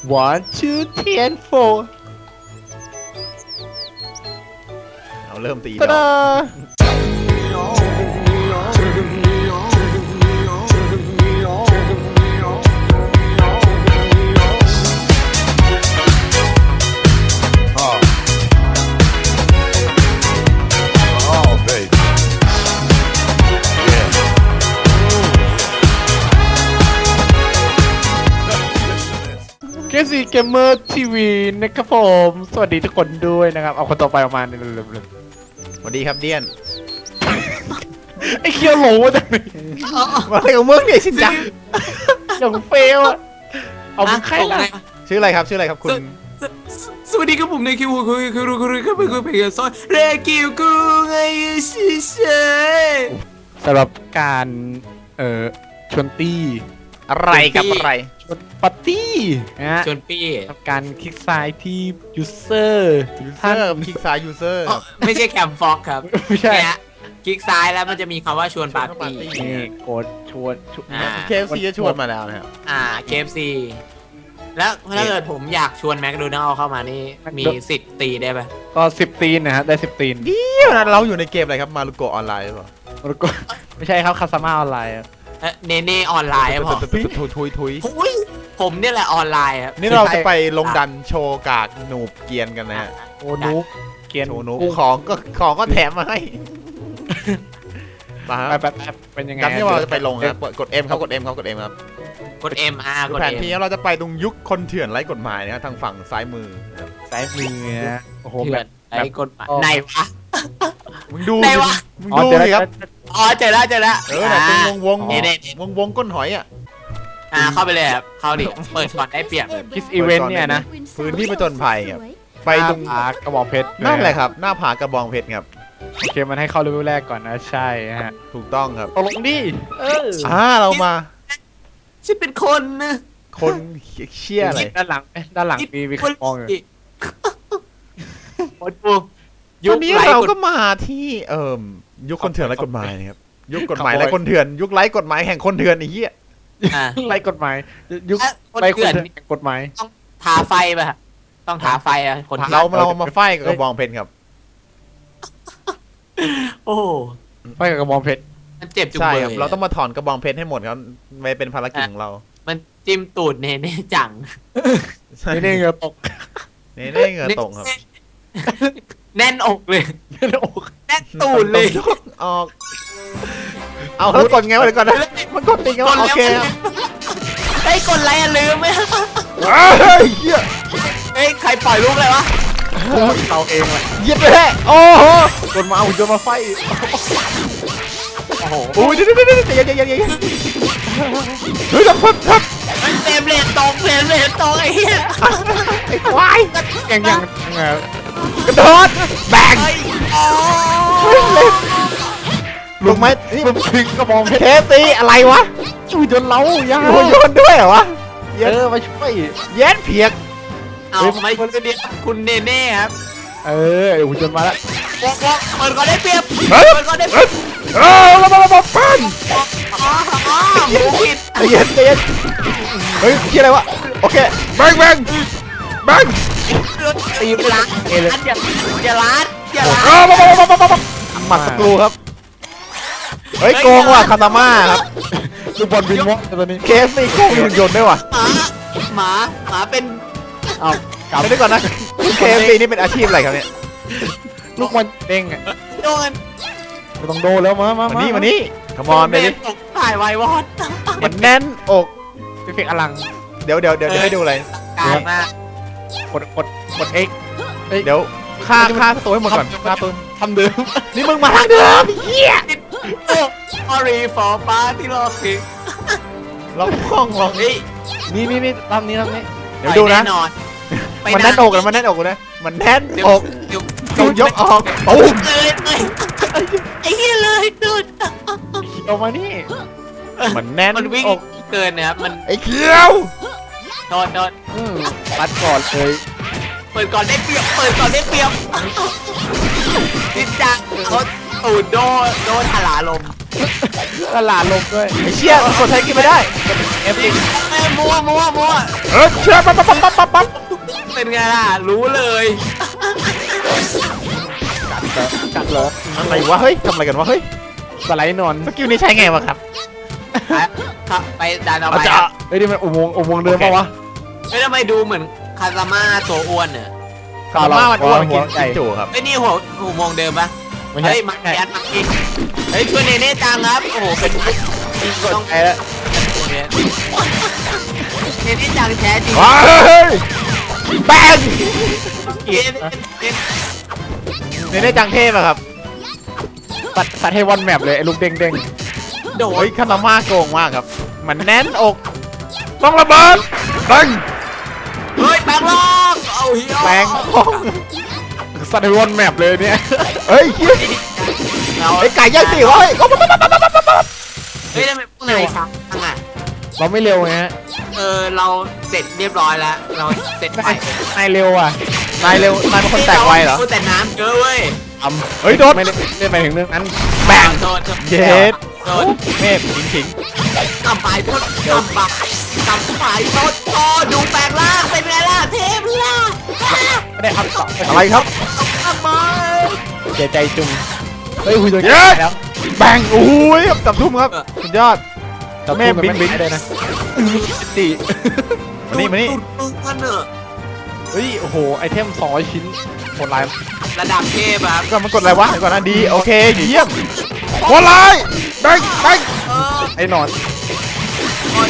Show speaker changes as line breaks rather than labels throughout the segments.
1 2 3 4
เอาเริ่มตี
ตะ
ดอ
ดาก เกมซีเกมเมอร์ทีวีนะครับผมสวัสดีทุกคนด้วยนะครับเอาคนต่อไปออกมาเนี่ยเร็ว
สวัสดีครับเดียน
ๆไอ้เคียวโหลมาจากไหน
มาอะไรของมึงเนี่ยชินจัง
อย่างเฟลอะเอามึงใครล่ะ
ชื่ออะไรครับคุณ
สวัสดีครับผมในคิวคือเพลงซอยเรกิวกูไงชิเช่
สำหรับการชวนตี้
อะไรกับอะไร
ชวนปาร์ตี้นะฮะ
ชวนปี้
ทำการคลิกซ้ายที่ user
ท่านคลิกซ้ายยูเซอร์
ไม่ใช่แคมฟ็อกครับ
ไม่ใช่
เนี่ยคลิกซ้ายแล้วมันจะมีคำว่าชวนปาร์ตี้
นี่กดชวน
เคฟซีจะชวนมาแล้วนะครับ
KFC แล้วถ้าเกิดผมอยากชวนแมคโดนัลล์เข้ามานี่มีสิทธิ์ตีได้ปะ
ก็10 ตีนนะฮะได้10 ตีน
เดี๋ยวนะเราอยู่ในเกมอะไรครับมารุโกะออนไลน์หรือเปล่า
แล้วก็ไม่ใช่ครับคาสมาออนไลน์
เนเน่ออนไลน์ครับผม
ทุย
หุ้ยผมเนี่ยแหละออนไลน์ครับ
นี่เราจะไปลงดันโชว์กากหนูบเกียนกันนะฮะ
โอ้นุกเกียน
โชว์หนูของก็แถมมาให้มา
ไปเป็นยังไง
ดันที่เราจะไปลงครับกด M ครับกด M ครับกด M ครับ
กด M กด
แผน
M
ที่เราจะไปตรงยุคคนเถื่อนไร้กฎหมายนะครับทางฝั่งซ้ายมือนะครับ
สายมือนะโอ้โห
เถื่
แบ
อน
บ
ไอ้กฎหมายไหนวะ
มึงดู
ไหนวะ
มึง
อ๋อ
ดู
เดี๋ยว
สิครับ
อ๋อเจอแล้ว
เนี่ยเป็นวง
นี่นี่
วงก้นหอยอ่ะ
เข้าไปเลยครับเข้าดิเปิดก่อนได้เปรียบ
คิสอีเวนต์เนี่ยนะ
พื้นที่ผจญภัยครับไปตรง
หน้ากระบอกเพชร
นั่นแหละครับหน้าผากระบองเพชรครับ
โอเคมันให้เข้าเลเวลแรกก่อนนะใช่ฮะ
ถูกต้องครับ
ตกลงดิ
เรามา
ฉันเป็นคนนะ
คนเชี่ยอะไร
ด้านหลังมีใครมองอยู่
โอ้โหยุ
วั
คน
นี้
ไร้
เรา
กฎ
ก็มาที่ยุคคนเถื่อนไร้กฎหมายนะครับยุคกฎหมายไร้คนเถื่อนยุคไร้กฎหมายแห่งคนเถื่อนไอ้เหี้ย
ไล่กฎหมายยุค
คน
ไปคน
เถื่อน
เถื่อนกฎหมาย
ต้องทาไฟป่ะต้องทาไฟอ่ะคน
เรามาไฟกับกระบองเพชรครับ
โอ้
ไปกับกระบองเพชร
มันเจ็บจุง
ใช่
เบย
ครับเราต้องมาถอนกระบองเพชรให้หมดครับไม่เป็นภารกิจของเรา
มันจิ้มตูดเน่จัง
นี่นี่เหงือตก
เน่เหงื่อตกครับ
แน่นอกเลย
นี่อก
แน่นตูดเลย
ยกออกเอาแล้วกดไงวะเดี๋ยวก่อนนะมันกดติงโอเคครับ
ไอ้กดอะไรอ่ะลืมไหม
เฮ้ยเหี้ย
เฮ้ยใครปล่อยลูกเลยวะ
เขาเองเลย
เหยียบไปเลยโอ้โห
จนมาเอาจนมาไฟโอ้โห
โอ้ยเดี๋ยวเฮ้ยทับ
เฟรมเรทตกไอ้เหี้ย
ไอ้ควาย
ยัง
กระโดดแบง ลงไหมนี่
มันทิ้งกระบองเพชร
เทสตีอะไรวะ
ช่วยจนเล้าย่า
โยนด้วยเหรอวะ
มาช่วย
เย็นเพียก
เอาไม่คนเดียวคุณเนเน่ครับ
อูจนมาแล้ว
เปิดก่อนได้เปรียบ
เฮ้ย
เปิดก่อนได้เปรียบ
ระเบิดปั้น
หมูผิด
ใจเย็นเฮ้ยคิดอะไรวะโอเคแบง
ตีล้านอย่าล้าน
หมัดสกรูครับเฮ้ยโกงว่ะคาตาม่าครับ
ลูกบอลบินวะตอนนี้
เคสตีโกงหุ่นยนต์ด้วยว่ะ
หมาเป็น
เอากลับ
ไม่ได้ก่อนนะเคสตีนี่เป็นอาชีพอะไรครับเนี่ย
ลูกบอลเด้งอ่ะ
โดน
ไม่ต้องโดนแล้วมา
นี่ขมอนไปดิ
ตกถ่ายไววอด
มันแน่นอก
เป็นเฟกอลัง
เดี๋ยวให้ดูอะไร
กลายมาก
กด X
เดี๋ยวฆ่าตัวให้หมดก่อนฆ่าตัว
ทำเดิม
นี่มึงมาทางเดิมเหี้ย
Sorry for party locking
ล็อกห้องล็อก
เฮ้ย
นี่ทำนี้
เดี๋ยวดูนะ
แน่นอน
มันแน่นอกนะมันแน่นอกนะมันแน่น
เดี๋ยว
อก
เดี๋ยว
ต้องยกออกตูม
เลยไอ้เหี้ยเลยดูด
เอามานี่
มันแน่น
มันวิ่ง
อก
เกินนะครับมัน
ไอ้เขียว
โดน
ปัดก่อนเลย
เปิดก่อนได้เปรียบจริงจังเขาตูดโดนถลาลม
ตลาดลมด้วย
ไอ้เชี่ยกดใช้กินไม่ได้
F
มัว
เชี่ยปั๊บปั๊บ
เป็นไงล่ะรู้เลย
กัดเหรอ
อะไรวะเฮ้ยทำอะไรกันวะเฮ้ย
สไลด์นอน
สกิลนี้ใช้ไงวะครับ
ครับไปดันเอา
อา
ไป
จารย์
เฮ้ยนี่มันอุโมงค์เดิมปะวะ
เฮ้ยทำไมดูเหมือนคาซาม่าตัวอ้วนเนี่ย
คาร์มามันอ้วนกิน
หัวใหญ่
กินจู่ครับ
เฮ้ยนี่หัวมองเดิมปะ
ไม่ใช่
เฮ้ยมาแกนมาอีกเฮ้ยช่วยเนเน่จังครับโอ้โหเป็นต้อง
ไอ้ละ
ตัวเนี้ยเนเน่จังแท้จริง
ว้ายแบง
เนเน่
เนี่ยได้จังเทพอะครับ
ตัดให้วันแมปเลยไอ้ลูกเด้ง
โด
เฮ้
น
ยคาร์มาโกงมากครับ มันแน่นอกต้องระเบิดแบง
เฮ้ยแปลงร่างเอาเฮีย
แบง
ๆตัดให้วันแมปเลยเนี่ย
เฮ้ยเฮ้ย
เรา
ไอ้ไก่ย่างสิวะเฮ้ย
เฮ้ยทำไมพวกนายช้าจังอ่ะ
เราไม่เร็วไงฮะ
เราเสร็จเรียบร้อยแล้วเราเสร็จไป
นายเร็วอ่ะ
นายเร็วนายเป็นคนแตกไวเหรอ
แต่น้ำเยอะเว้ย
เฮ้ยโดน
ไม่ได้ไปถึงเรื่องนั้น
แบง
โดน
เย็ด
โดน
เมฆขิง
กำปายโทษกำปายโทษโอ้ดูแปลงร่างเป็นไงล่ะเทพล่ะ
ไม่ได้อัพต่อ
อะไรครับ
ทำไม
เสียใจจุงเฮ้ยคุยโดน
เย้
แล้ว
แบงโอ้ยครับจับทุ่มครับสุดยอด แม่บิ๊ก
ได้นะตี
มานี่มานี่
มึงกันเนอะ
เฮ้ยโอ้โหไอเทม200ชิ้นโหดร้าย
ระดับเทพครับ
ก่อนมันกดอะไรวะเดี๋ยวก่อนนะดีโอเคเยี่ยมโคตรร้ายแบงแบง
เออ
ไอ้หนอน
โอ้ย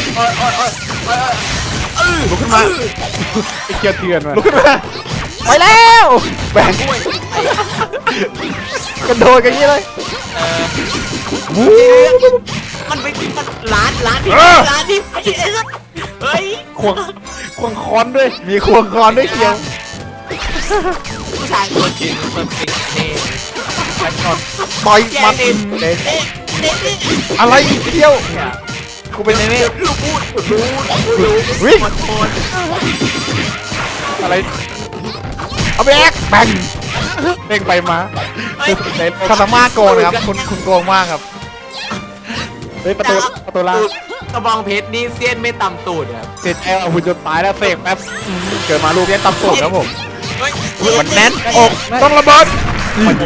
ลุกขึ้นมา
ไอ้เกียร์เถื่อนว่ะ
ลุกขึ้นมาไปแล้วแบง
กล้วย
กระโดดกันอย่างนี้เลย
เออมันไปมันร้านที่ไอ้สัสเฮ้ย
ควงค้อนด้วย
มีควงคอนด้วยเคียว
ผู้ชายตัวจริงตัวจริงเน่
ไอ้หนอน
ต่อย
แก
มัน
เน่เน่เน่
อะไรอีกเคียวกูเป็นไงเนี่ย
ลูกพูดรู้
วิ่ง
หมดโทน
อะไร
เอาไปแอกแบง
เด้งไปมา
เฮ้ย
คาตาม่าโกงนะครับคุณโกงมากครับ
เฮ้ยประตูล่าง
กระบองเพชรนี่เสี้ยนไม่ต่ำตูดครับ
เสร็จแล้วเอาหุ่นจนตายแล้วเสกแป๊บเกิดมาลูก
เรียนตำสูตรครับผม
เฮ้ย
มันแน่นอกต้องระเบิด
โอ้โห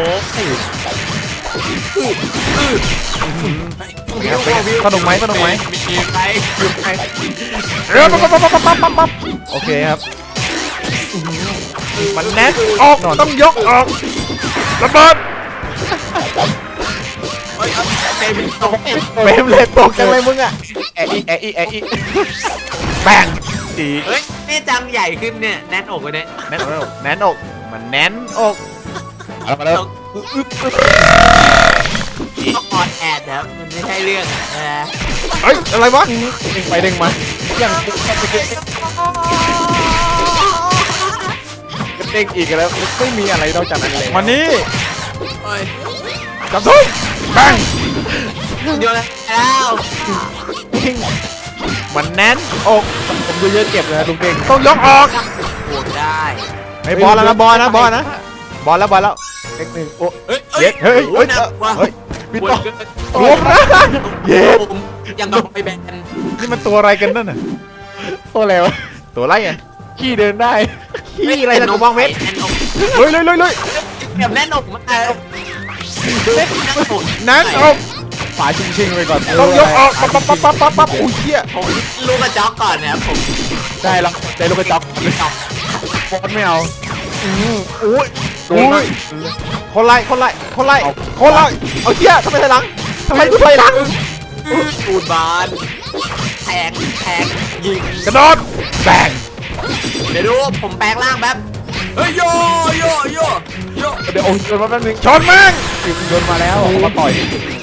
สนุกไหมสนุกไหม
มีใคร
เรือปั๊บโอเคครับ มันแน่นออกต้องยกออกระเบิด
เฮ้ยเอาเต็มตกเต็ม
เฟรมเลยตกจังเลยมึงอ่ะ
แอะอี
แบงดี
เฮ้ยนี่จังใหญ่ขึ้นเนี่ยแน่นอกเลยเนี่ย
แน่นอกแน่นอกมันแน่นอก
เอามาแล้ว
ต้องออนแอดครับมันไม่ใช่เรื่องนะ
เฮ้ยอะไรวะ
เด้งไปเด้งมาอย่างเด้งอีกแล้วไม่มีอะไรนอกจากนั้นเลย
มานี่
เฮ้ย
จับทุ่มแบง
เดี๋ยวแล้ว
มันแน่นอก
ผมดูเยอะเจ็บเลยนะลุงเด้ง
ต้องยกออก
บวกได้
ไม่บอลแล้วนะบอลนะบอลนะบอลแล้วบอลแล้ว
เด็กหนึ่งโอ้
เฮ้ย
เฮ้ยเฮ้ยเฮ้ย
หนักว่ะ
เฮ้ย
บิด
ปว
ต่อ
ดเกิน
รวมนะเย็ด
ยังกับไปแบน
นี่มันตัวอะไรกันนั่นน่ะ
ตัวอะไรวะ
ตัวอะไรอ่ะ
ขี้เดินได้
ขี้อะไรนะกูมองเม็ด
แน่นอก
เฮ้ยเลยเลยเลย
แบบแน่นอกมากแน่นอก
แน่นอก
ฝาชิงๆไปก่อน
ต้องยกออกปั๊บปั๊บปั๊บปั๊บปั๊บปั๊บอุ้ยเหี้ย
ผมลูกกระจอกก่อนนะครับผม
ได้แล้วได้ลูกกระจอกบอลไม่เอาอุ้ยโดน
อุ้
มาย
คนไล่คนไล่คนไล่คนไล่เอาเหี้ยทำไมถอยหลังทำไมกูถอยหลัง
ตูดบานแทงยิง
กระโดดแบง
เดี๋ยวดูผมแปลงร่างแป๊บเฮ้ยโย
เดี๋ยวโอ้ยโดนมาแป๊บนึง
ชนแม่ง
โดนมาแล้วมาต่อย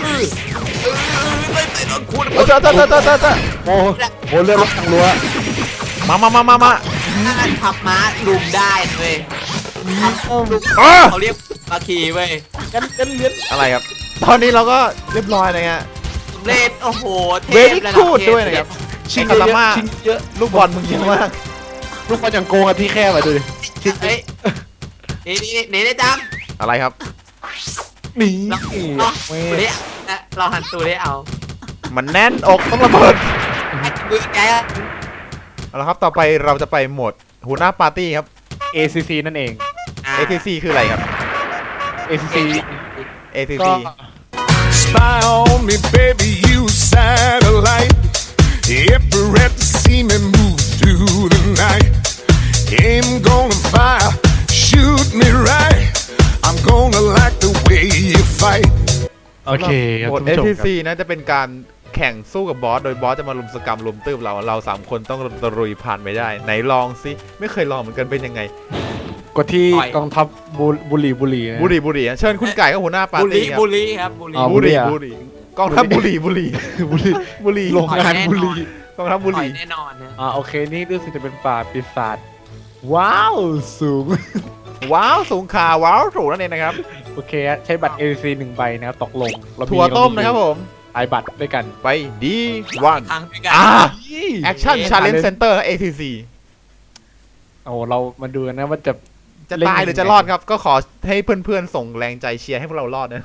ไม่ติดคุณ
เจ้า
โอ้โหเลือดรถทางรั้ว
มา
ขับม้าลุมได้เว้ย
อ๋อ
เขาเรียกมาขี่เว้ย
กันเลี้ยน
อะไรครับ ตอนนี้เราก็เรียบร้อยเลยฮะ
เล่นโอ้โหเท
เว
พ
ลี่
ระดับ
คูด
เทพ
ด้วยนะครับ
ชิง
คาตาม่า
ชิงเยอะ
ลูกบอลมึงเยอะมาก
ลูกบอลอย่างโกงกันที่แคบอ่ะดูดิ
เฮ้ยนี่ได้จัง
อะไรครับ
หนี
เราหันตูได้เอา
มันแน่นอกต้องระเบิด
มือแก
เอาละครับต่อไปเราจะไปโหมดหัวหน้าปาร์ตี้ครับ
ACC นั่นเอง
ATC คืออะไรครับ
ACC ก็
ATC
Spy on me, baby, you satellite. If you're at to see me move through the night, aim gonna fire, shoot me right. I'm gonna like the way you fight.
โอเคครับ
หมด
ท่านผู้ชมครับ
ATC นะจะเป็นการแข่งสู้กับบอสโดยบอสจะมาลุมสกรรมลุมตื้มเราสามคนต้องตะลุยผ่านไปได้ไหนลองสิไม่เคยลองเหมือนกันเป็นยังไง
กดที่
ต่อย
กองทัพบุหรี่นะ
บุรีเชิญคุณไก่ก็หัวหน้าปา
บุ
ร์
รี
ตี้ครับ
บุรีครับบุรี
อ๋อ
บุรีกองทัพบุรี
บุหรี่โรงงานบุหรี่
กองทัพบุ
ต่อ
รี
ยแน่นอนนะ
โอเคนี่รู้สึกจะเป็นป่าปีศาจว้าวสูง
ว้าวสูงขาว้าวสูงนั่นเองนะครับ
โอเคใช้บัตร ACC 1 ใบนะครับตกลงเรา
ถั่วต้มนะครับผม
หลายบัตรด้วยกัน
ไปดีวัน
ครั้งด้วยกัน
แอคชั่นชาเลนจ์เซ็นเตอร์ ATC
โอ้เรามาดูกันนะว่าจะ
จะตายหรือจะรอดครับ ก็ขอให้เพื่อนๆส่งแรงใจเชียร์ให้พวกเรารอดนะ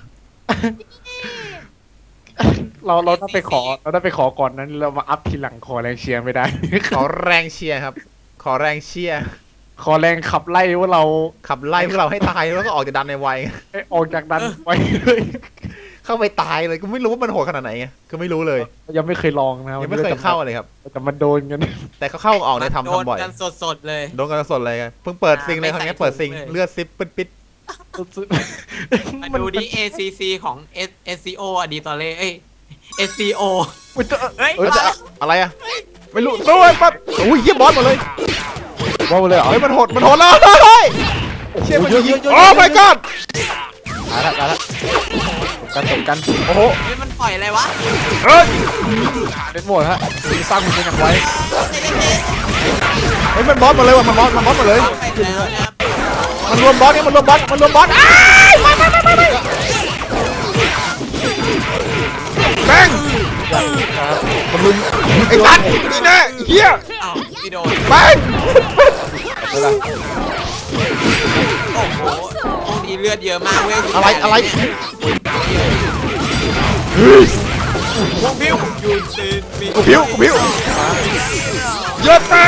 เราต้องไปขอก่อนนั้นเรามาอัพทีหลังขอแรงเชียร์ไม่ได้
ขอแรงเชียร์ครับ ขอแรงเชียร์
ขอแรงขับไล่ว่าเรา
ขับไล่พวกเราให้ตายแล้วก็ออกจากดันในวัย
ออกจากดันไว้เลย
เข้าไปตายเลยก็ไม่รู้ว่ามันโหดขนาดไหนไงก็ไม่รู้เลย
ยังไม่เคยลองนะครับ
ยังไม่เคยเข้าเลยครับ
แต่มันโดนกัน
แต่เขาเข้าออกในทำ
โดน
บ่อย
กันสดๆเลย
โดนกันสดเลยเพิ่งเปิดซิงเลยครั้งนี้เปิดซิง
ไม่ใส่ถุงเลย
เลือดซิปปิด
มาดูดิ ACC ของ SCO อะดีตอเล่เอ้ย SCO เฮ้ย
เอ้ยจะอะไรอะไม่รู้ด้วยปั๊บอุ้ยเยี่ยบอสหมดเลย
ว่าไปเลยเหรอ
เฮ้ยมันโหดแล้วเฮ้ยเชี่ยมันยิงโอ้ my god
ตายละตบกัน
โอ้โห
เฮ้ยมันปล่อยอะไรวะ
เฮ้ย
เล่นหมดฮะสร้างคุณเป็นอย่างไว้
เฮ้ยมันบอสหมดเลยว่ะมันบอสหมดเลย
ไปแล้วนะครับ
มันรวมบอสเนี่ยมันรวมบอสอ้ายไม่แบงมันลุมไอ้สัตว์นี่แน่เฮีย
อ้าวพี่โดน
แบง
โอ้โหห้องนี้เลือดเยอะมากเว้ย
อะไร
พวกพิวยูซินมี
กูผิวเยอะแม่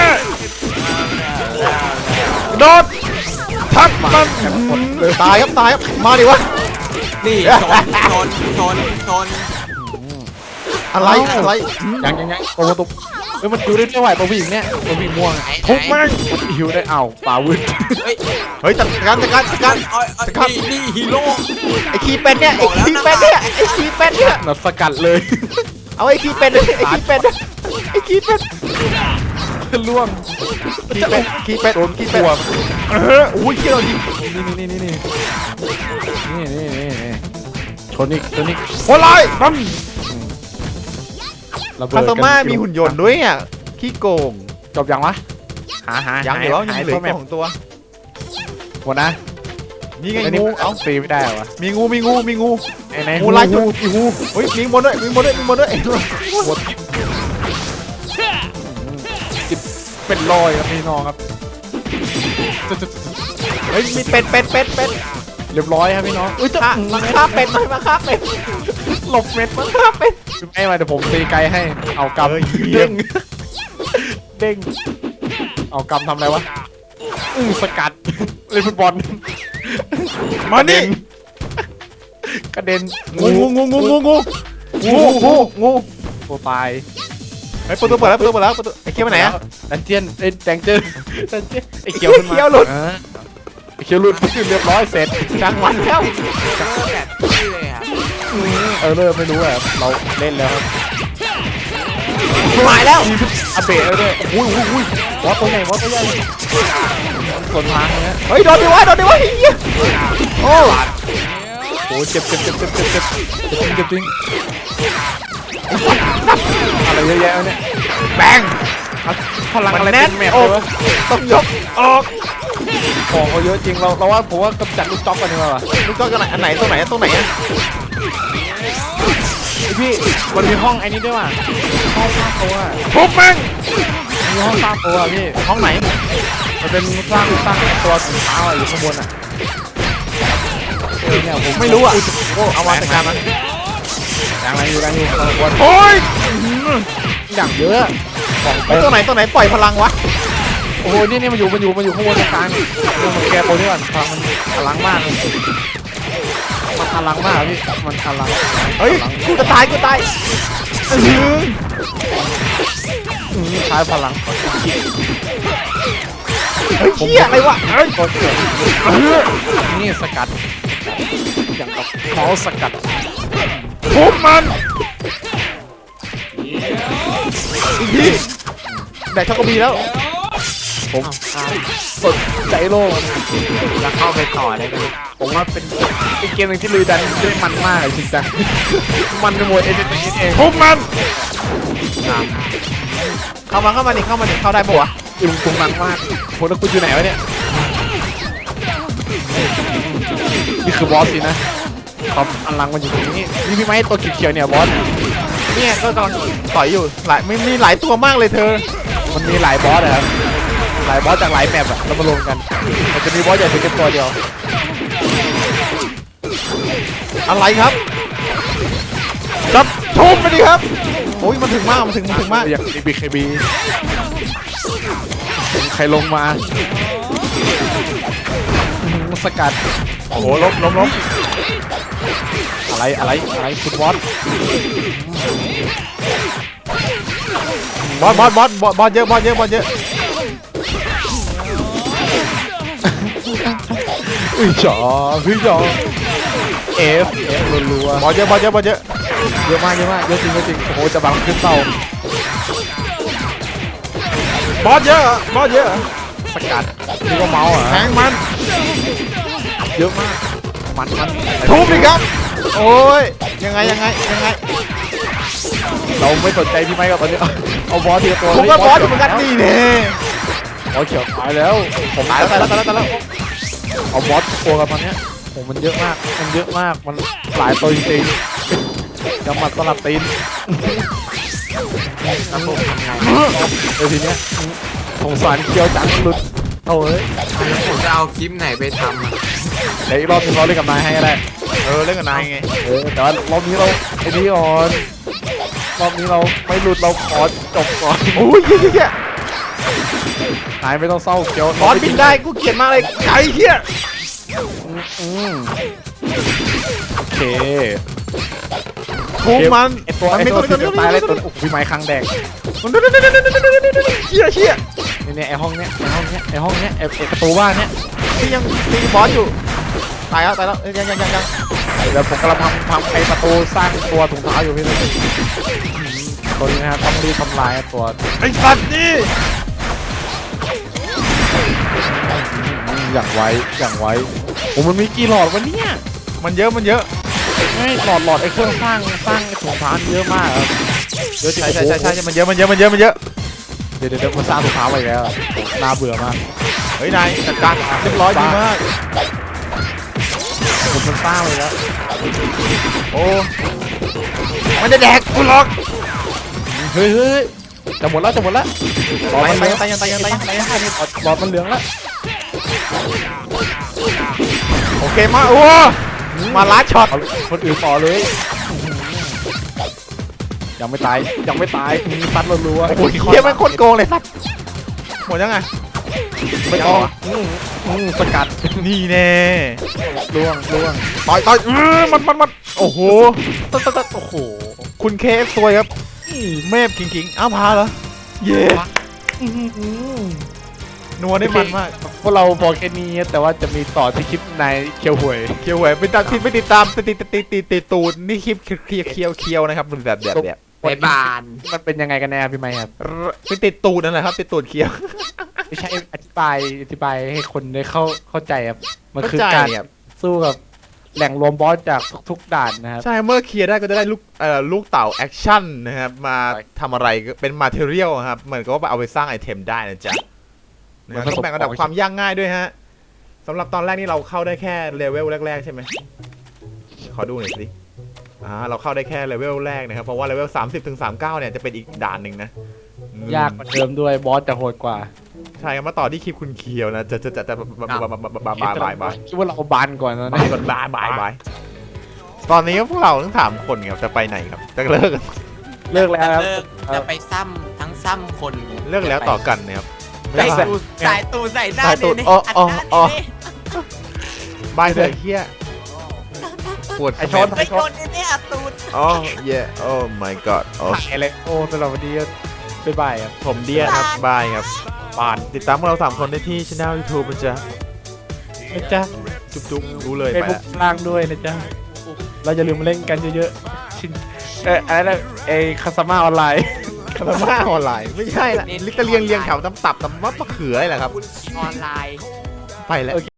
โดดทับมันตายครับมาดิวะ
นี่ชน
อะไร
ยังโอ้โหตุ๊บมันดูได้ไม่ไหวตัวผู้หญิงเนี่ยตัวผู้หญิงม่วง
ทุบมัน
หิวได้ป่าวืด
เฮ้ย
เฮ้ยจัดการ
นี่ฮีโร่
ไอ้คีเป็ดเนี่ย
นัดสกัดเลย
เอาไอ้คีเป็ด
ล่วง
คีเป็ด
โดนตัว
อุ้ยเขี้ยวยิง
นี่ชนอีก
โหดร้ายปั๊ม
ระเบิ
คา
ด
โตม่ามีหุ่นยนต์ด้วยอ่ะขี้โกง
จบยังวะหา
ยังเหลือ2ตัว
หมดนะ
นี่ไงงูเอ้า
ตีไม่ได้วะ
มีงู
ไหน
งูลายจุด
งู
เฮ้ยมีบนด้วย
หัวจิบเป็นรอยครับพี่น้องครับ
เฮ้ยมีเป็ด
เรียบร้อยครับพี่น้องอุ้ยจะ
มาฆ่าเป็ดมาฆ่าเป็ด
หลบเม็ดมั้ง
ฆ่าเป็ด
ไม่มาเดี๋ยวผมตีไกลให้เอากำ
เยี่ยม
เด้งเอากำทำอะไรวะสกัดเล่นฟุตบอล
มานี่
กระเด็น
งู
ตัวตาย
ไอ้ประตูเปิดแล้วประตูไอ้เขี้ยวไปไหนอะ
ดันเจียนไอ้แดงเจอไอ้เขียวขึ้นมา
เขี้ยวหลุด
ไอ้เขียวหลุดเรียบร้อยเสร็จ
กลางวันแล้ว
แบบนี้เลยครับ
เริ่มไม่รู้อะเราเล่นแล้วครับ
หายแล้ว
อัปเดตแล้วด้วยอุ้ยบอสตัวใหญ่ส่วนทางเนี้ย
เฮ้ยโดนดิวะเฮียโอ้
โอ้เจ็บจริงอะไรเยอะแยะเนี่ย
แบง
พลังอะไร
แน่
เป็น นแมป
โอ้
เลยวะ
ต้องยกออก
ของเขาเยอะจริงเราว่าผมว่ากำจัดลูกจ๊อกกันดีกว่า
ลูกก็กันอันไหนตรงไหนอะ
พี่มันมีห้องไอ้นี้ด้วยว่ะห้องสร้างตัว
ทุบแม่ง
มีห้องสร้างตัวพี่
ห้องไหน
มันเป็นสร้างตัวถุงเท้าอยู่ข้างบนอ่ะเนี่ยผม
ไม่รู้อ่ะโอ้เอามาจัดการมัน
ยังไงอยู่ข้างบน
โอ้ย
อย่างเยอะของ
ไอ้ตัวไหนปล่อยพลังวะ
โอ้โหนี่มันอยู่ข้างบนตรงกลางแกโปรนี่ก่อนพลังมันพลังมากมันพลังมากพี่มันพลัง
เฮ้ยกูจะตายกูตายอื้อ
ใช้พลัง
เฮ้ยเหี้ยอะไรวะเฮ้ย
กดเกิดนี่สกัดอย่างกับเมาส์สกัด
ทุบมันอีกทีแดกช็อกโกบีแล้ว
ผมสดใจโลก
แล้วเข้าไปต่อได้ไหม
ผมว่าเป็นเกมหนึ่งที่ลุยดันได้มันมากจริงจังมันในหมวดเอเจนต์เอง
ทุบมันเข้ามาดิเข้าได้ปะวะ
ลุงตุงนังมากโหแล้วคุณอยู่ไหนวะเนี่ยนี่คือบอสสินะความอลังมันอยู่ตรงนี้นี่พี่ไม้ตัวเขียวๆเนี่ยบอส
เนี่ยก็กำลังต่อยอยู่ไม่มีหลายตัวมากเลยเธอ
มันมีหลายบอสอะครับหลายบอสจากหลายแมปอะแล้วมารวมกันมันจะมีบอสใหญ่เพียงแค่ตัวเดียว
อะไรครับจับทุบไปดิครับโอ้ยมันถึงมากมันถึงมาก
อย่าง BKB ใครลงมาสกัด
โอ้โหล้ม
อะไรคุณบอส
บอสเยอะ
จ๋อF รัว
บอสเยอะ
ๆเยอะมากเยอะจริงโอ้โหจะบังขึ้นเตา
บอสเยอะ
สกัดนี่ก็เมาส์อ่ะ
แทงมัน
เยอะมากมัน
ทุบดิครับโอ้ยยังไง
เราไม่สนใจพี่ไม้กับตอนนี้เอาบอสทีละตัว
ผมก็บอสอยู่เหมือนกันนี่เนี่ย
บอสเขียวตายแล้วผม
ตายแล้ว
เอาบอสตัวกันตอนเนี้ยผมมันเยอะมากมันหลายตัวจริงๆกำมัดสลับตีนทีเนี้ยสงสารเคียวจังหลุดเอาเอ้ย
ผมจะเอาคลิปไหนไปทำอะ
เดี๋ยวอีกรอบนึงเราเล่นกับนายให้ก็ได้
เล่นกับนายไง
แต่ว่ารอบนี้เราไอ้นี่ก่อนรอบนี้เราไม่หลุดเราขอจบก่อน
โอ้ยเหี้ย
นายไม่ต้องเศร้าเคียว
บอสบินได้กูเกลียดมากเลยไอ้เหี้ย
โอเค
ทุบมัน
ไอตัว
มันมี
ที่
ตัว
จะตายเลยตัวโอ้โหพี่ไม้ครั้งแดง
เชี่ย
เนี่ยไอห้องเนี้ยไอประตูบ้านเนี้ย
ที่ยังตีบอสอยู่ตายแล้วยัง
เดี๋ยวผมกำลังทำไอประตูสร้างตัวถุงเท้าอยู่พี่เลยตัวนี้นะครับต้องรีบทำลายตัว
ไอ้สัตว์นี่
อย่างไวโอ้มันมีกี่หลอดวะเนี่ย
มันเยอะ
ไม่หลอดไอเครื่องสร้างไอถุงเท้าเยอะมากครับเยอะจริง
ใช่มันเยอะ
เดี๋ยวมันสร้างถุงเท้าไปแล้วน่าเบื่อมาก
เฮ้ยนายจัดการเรียบร้อยดีมาก
มันสร้างไปแล้ว
โอ้มันจะแดกกูหรอก
เฮ้ยจะหมดแล้วหลอดมันเหลือง
ตาย
หลอดมันเหลืองแล้ว
โอเคมาโอ้มาลัดช็อต
เอาคนอื่นต่อเลยยังไม่ตายมีฟัดรัวๆ
โอ้ยเฮียมันโคตรโกงเลยสัตว์หมดยังไง
ไม่ต้องสกัด
นี่แน่
ล่วง
ต่อยมันโอ้โห
โอ้โห
คุณเคฟซวยครับเมฟคิงอ้าวพาเหรอเย่นัวได้มันมาก
พวกเราบอกแค่นี้แต่ว่าจะมีต่อที่คลิปในเคียวหวย
เคียวแหวนไปติดตามติดตูดนี่คลิปเคียวนะครับแบบ
ไปบาน
มันเป็นยังไงกันแน่พี่ไมค์ครับ
ไปติดตูดนั่นแหละครับติดตูดเคียว
ไม่ใช่อธิบายให้คนได้เข้าใจครับมันคือ
เข้าใจ
การ
ครับ
สู้กับแหล่งรวมบอสจากทุกด่านนะครับ
ใช่เมื่อเคลียร์ได้ก็จะได้ลูกเต่าแอคชั่นนะครับมาทำอะไรก็เป็นมาเทเรียลครับเหมือนกับว่าเอาไปสร้างไอเทมได้นะจ๊ะนะครับต้องแบ่งระดับความยากง่ายด้วยฮะสำหรับตอนแรกนี่เราเข้าได้แค่เลเวลแรกๆใช่ไหมขอดูหน่อยสิเราเข้าได้แค่เลเวลแรกนะครับเพราะว่าเลเวล30 ถึง 39เนี่ยจะเป็นอีกด่านหนึ่งนะ
ยากกว่าเดิมด้วยบอสจะโหดกว่า
ใช่ครับมาต่อที่คลิปคุณเคียวนะจะบาย
คิดว่าเราบานก่อนนะ
บายตอนนี้พวกเราทั้ง3คนครับจะไปไหนครับจะเลิกกัน
เลิกแล้วครับ
จะไปซ้ำทั้งซ้ำคน
เลิกแล้วต่อกันนะครับ
ใส่ตูดใส่ตูดใส่หน้า
สายตูด
เนี่ย
อ๋อ
อัด
อ๋อ
หน้า
อ๋อ
เนี่ย
บายเถอะเฮียปวด
ไอ้ชน
ไปโดนเนี่ยอัดตูด
อ๋อ yeah oh my god อ๋อ
ถ่ายเลยโอ้สำหรับวันนี้บ๊ายบายครับ
ผมเดียครับบายครับบานติดตามพวกเรา3คนได้ที่ช่อง YouTube นะจ๊ะ
นะจ๊ะ
จุ๊บๆรู้เลย
เฟซ
ไป
บุ๊ก
ละ
ล่างด้วยนะจ๊ะเราอย่าลืมมาเล่นกันเยอะๆชินอะไรนะคาสมาออนไลน์
คาราม่าออนไลน์ไม่ใช่ละลิตรเรียงแถวตำตับตำมะเขืออะไรแหละครับ
ออนไลน์
ไปแล้ว